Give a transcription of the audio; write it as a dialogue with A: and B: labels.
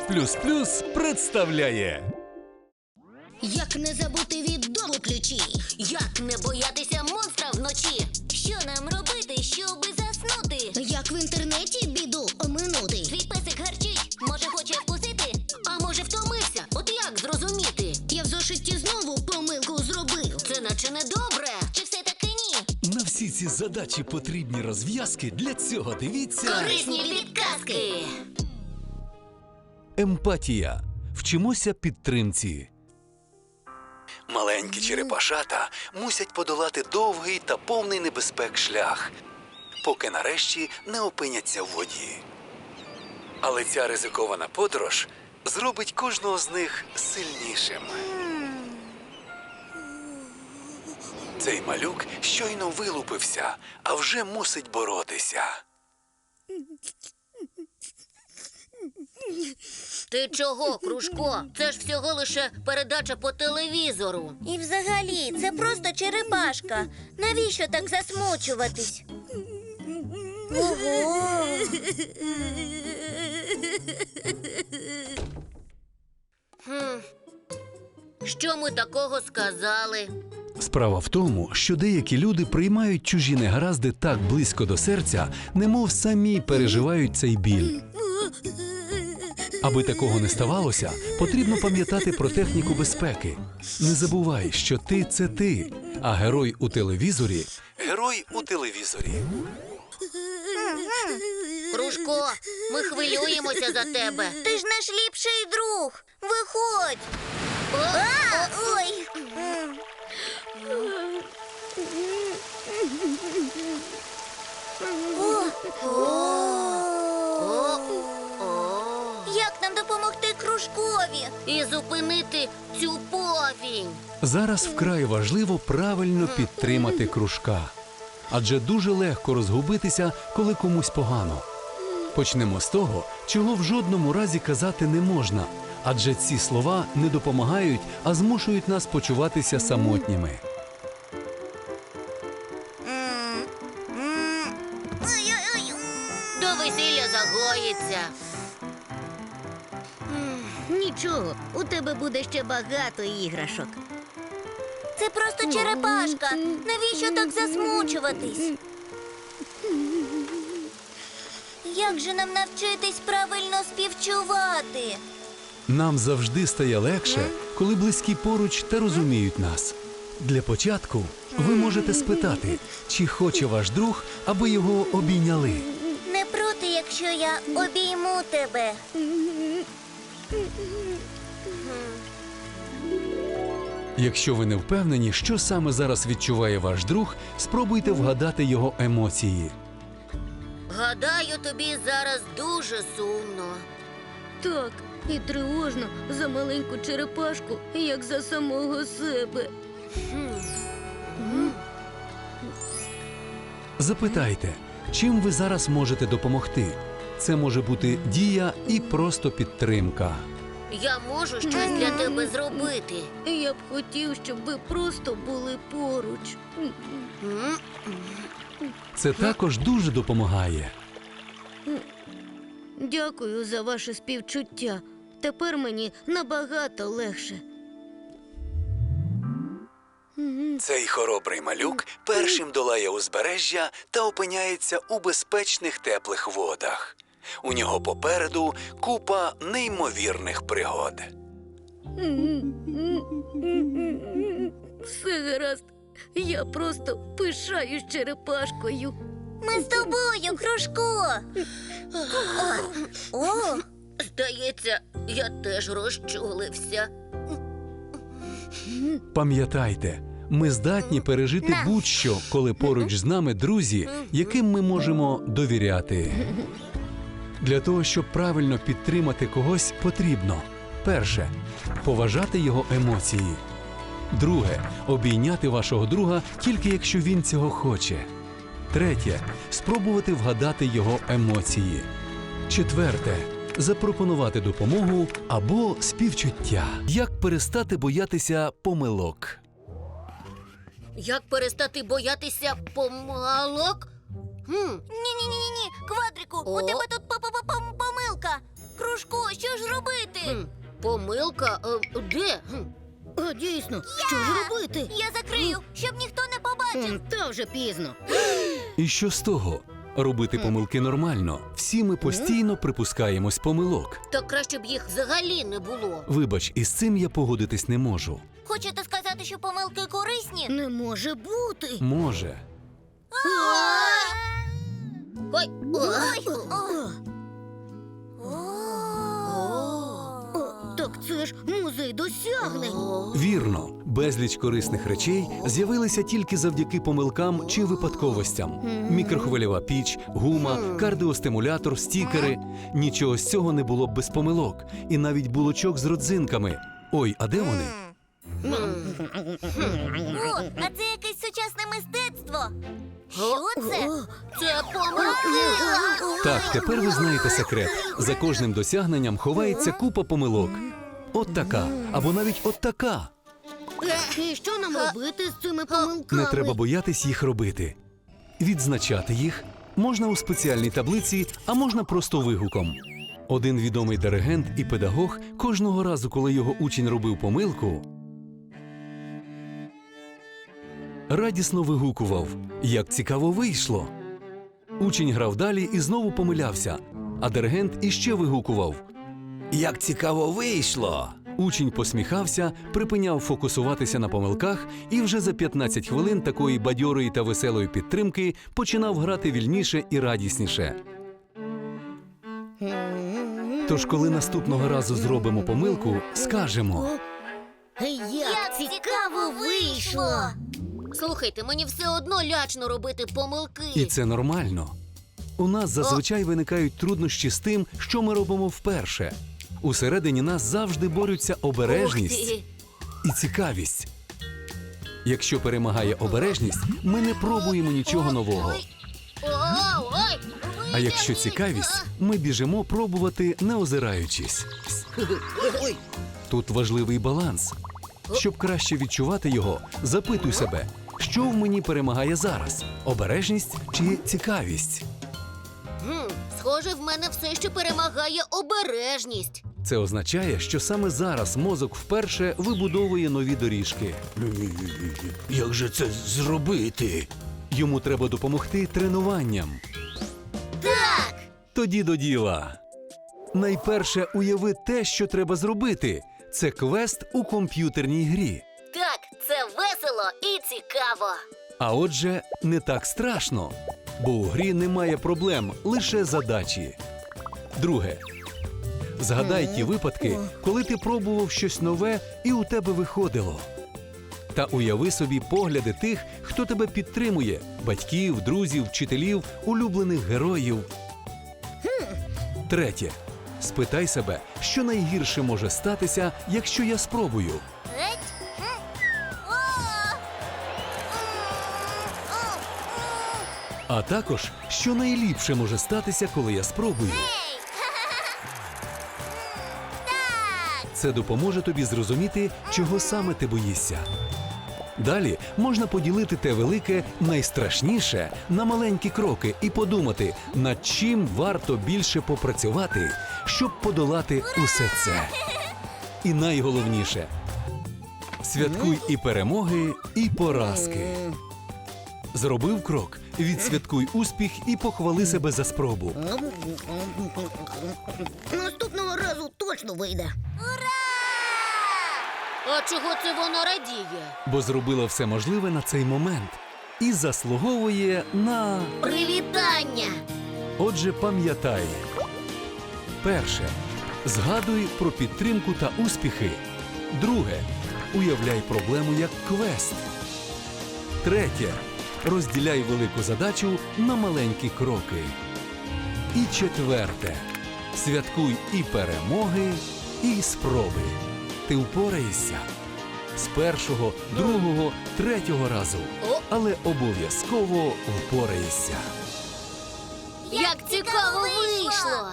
A: представляє.
B: Як не забути від дому ключі?
C: Як не боятися монстра вночі? Що нам робити, щоби заснути?
B: Як в інтернеті біду оминути?
C: Твій песик гарчить, може хоче вкусити? А може втомився? От як зрозуміти?
B: Я в зошиті знову помилку зробив.
C: Це наче недобре, чи все-таки ні?
A: На всі ці задачі потрібні розв'язки. Для цього дивіться
C: Корисні підказки!
A: Емпатія. Вчимося підтримці. Маленькі черепашата мусять подолати довгий та повний небезпек шлях, поки нарешті не опиняться в воді. Але ця ризикована подорож зробить кожного з них сильнішим. Цей малюк щойно вилупився, а вже мусить боротися.
C: Ти чого, Кружко? Це ж всього лише передача по телевізору.
D: І взагалі, це просто черепашка. Навіщо так засмучуватись? Ого!
C: Що ми такого сказали?
A: Справа в тому, що деякі люди приймають чужі негаразди так близько до серця, немов самі переживають цей біль. Аби такого не ставалося, потрібно пам'ятати про техніку безпеки. Не забувай, що ти – це ти, а герой у телевізорі – герой у телевізорі.
C: Кружко, ми хвилюємося за тебе.
D: Ти ж наш ліпший друг. Виходь! Ой! Як нам допомогти Кружкові?
C: І зупинити цю повінь.
A: Зараз вкрай важливо правильно підтримати Кружка. Адже дуже легко розгубитися, коли комусь погано. Почнемо з того, чого в жодному разі казати не можна. Адже ці слова не допомагають, а змушують нас почуватися самотніми.
C: До весілля загоїться.
B: Нічого, у тебе буде ще багато іграшок.
D: Це просто черепашка. Навіщо так засмучуватись? Як же нам навчитись правильно співчувати?
A: Нам завжди стає легше, коли близькі поруч та розуміють нас. Для початку ви можете спитати, чи хоче ваш друг, аби його обійняли.
D: Не проти, якщо я обійму тебе.
A: Якщо ви не впевнені, що саме зараз відчуває ваш друг, спробуйте вгадати його емоції.
C: Гадаю, тобі зараз дуже сумно.
B: Так, і тривожно за маленьку черепашку, як за самого себе.
A: Запитайте, чим ви зараз можете допомогти. Це може бути дія і просто підтримка.
C: Я можу щось для тебе зробити.
B: Я б хотів, щоб ви просто були поруч.
A: Це також дуже допомагає.
B: Дякую за ваше співчуття. Тепер мені набагато легше.
A: Цей хоробрий малюк першим долає узбережжя та опиняється у безпечних теплих водах. У нього попереду купа неймовірних пригод.
B: Все гаразд. Я просто пишаюсь черепашкою.
D: Ми з тобою, Кружко. О,
C: Здається, я теж розчулився.
A: Пам'ятайте, ми здатні пережити будь-що, коли поруч з нами друзі, яким ми можемо довіряти. Для того, щоб правильно підтримати когось, потрібно: перше – поважати його емоції. Друге – обійняти вашого друга тільки якщо він цього хоче. Третє – спробувати вгадати його емоції. Четверте – запропонувати допомогу або співчуття. Як перестати боятися помилок?
C: Як перестати боятися помилок?
D: ні-ні-ні-ні, Квадрику, у
C: О.
D: тебе тут помилка. кружку, що ж робити?
C: Помилка? Де?
B: А дійсно, що ж робити?
D: Я закрию, щоб ніхто не побачив.
B: Та вже пізно.
A: І що з того? Робити помилки нормально. Всі ми постійно припускаємось помилок.
C: Так краще б їх взагалі не було.
A: Вибач, із цим я погодитись не можу.
D: Хочете сказати, що помилки корисні?
B: Не може бути.
A: Може.
C: Ой,
D: Ой!
B: Так це ж музей досягнень.
A: Вірно, безліч корисних речей з'явилися тільки завдяки помилкам чи випадковостям. Мікрохвильова піч, гума, кардіостимулятор, стікери. Нічого з цього не було б без помилок. І навіть булочок з родзинками. Ой, а де вони?
D: О, а це якесь сучасне мистецтво. Що це?
C: це помилки!
A: Так, тепер ви знаєте секрет. За кожним досягненням ховається купа помилок. От така, або навіть от така.
B: І що нам робити з цими помилками?
A: Не треба боятись їх робити. Відзначати їх можна у спеціальній таблиці, а можна просто вигуком. Один відомий диригент і педагог кожного разу, коли його учень робив помилку, радісно вигукував: «Як цікаво вийшло!» Учень грав далі і знову помилявся, а диригент іще вигукував: «Як цікаво вийшло!» Учень посміхався, припиняв фокусуватися на помилках і вже за 15 хвилин такої бадьорої та веселої підтримки починав грати вільніше і радісніше. Тож, коли наступного разу зробимо помилку, скажемо:
B: Як
D: цікаво вийшло!
C: Слухайте, мені все одно лячно робити помилки.
A: і це нормально. У нас зазвичай виникають труднощі з тим, що ми робимо вперше. Усередині нас завжди борються обережність
C: Ух ти.
A: і цікавість. Якщо перемагає обережність, ми не пробуємо нічого нового.
C: Ой!
A: А якщо цікавість, ми біжимо пробувати, не озираючись. Тут важливий баланс. Щоб краще відчувати його, запитуй себе, що в мені перемагає зараз – обережність чи цікавість?
C: Схоже, в мене все ще перемагає обережність.
A: Це означає, що саме зараз мозок вперше вибудовує нові доріжки. Як же це зробити? Йому треба допомогти тренуванням.
C: Так!
A: Тоді до діла. Найперше уяви те, що треба зробити. Це квест у комп'ютерній грі.
C: Так, це весело і цікаво.
A: А отже, не так страшно, бо у грі немає проблем, лише задачі. Друге. Згадай ті випадки, коли ти пробував щось нове і у тебе виходило. Та уяви собі погляди тих, хто тебе підтримує – батьків, друзів, вчителів, улюблених героїв. Третє. Спитай себе, що найгірше може статися, якщо я спробую. А також, що найліпше може статися, коли я спробую. Це допоможе тобі зрозуміти, чого саме ти боїшся. Далі можна поділити те велике, найстрашніше на маленькі кроки і подумати, над чим варто більше попрацювати, щоб подолати усе це. І найголовніше – святкуй і перемоги, і поразки. Зробив крок, відсвяткуй успіх і похвали себе за спробу.
B: Наступного разу точно вийде.
C: А чого це воно радіє?
A: Бо зробила все можливе на цей момент і заслуговує на…
C: Привітання!
A: Отже, пам'ятай. Перше. Згадуй про підтримку та успіхи. Друге. Уявляй проблему як квест. Третє. Розділяй велику задачу на маленькі кроки. І четверте. Святкуй і перемоги, і спроби. Ти впораєшся. З першого, другого, третього разу. Але обов'язково впораєшся.
C: Як цікаво вийшло!